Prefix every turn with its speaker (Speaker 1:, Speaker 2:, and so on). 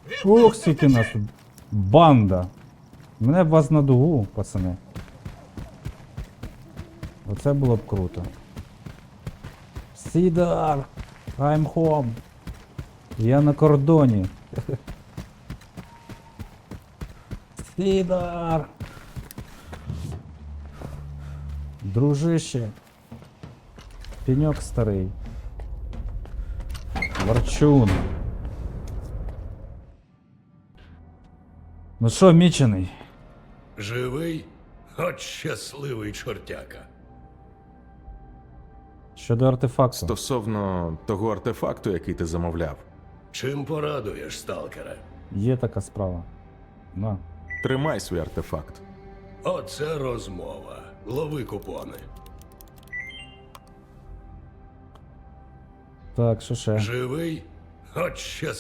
Speaker 1: Ох, скільки нас тут. Банда. Мене б вас на дугу, пацани. Оце було б круто. Сідар! I'm home! Я на кордоні. Сідар! Дружище. Пеньок старий. Ворчун. Ну що, мічений?
Speaker 2: Живий? От щасливий чортяка.
Speaker 1: Щодо артефакту.
Speaker 3: Стосовно того артефакту, який ти замовляв,
Speaker 2: Чим порадуєш, сталкера?
Speaker 1: Є така справа. На.
Speaker 3: тримай свій артефакт.
Speaker 2: Оце розмова. Лови купони.
Speaker 1: Так, що ще?
Speaker 2: Живий? От щасливий.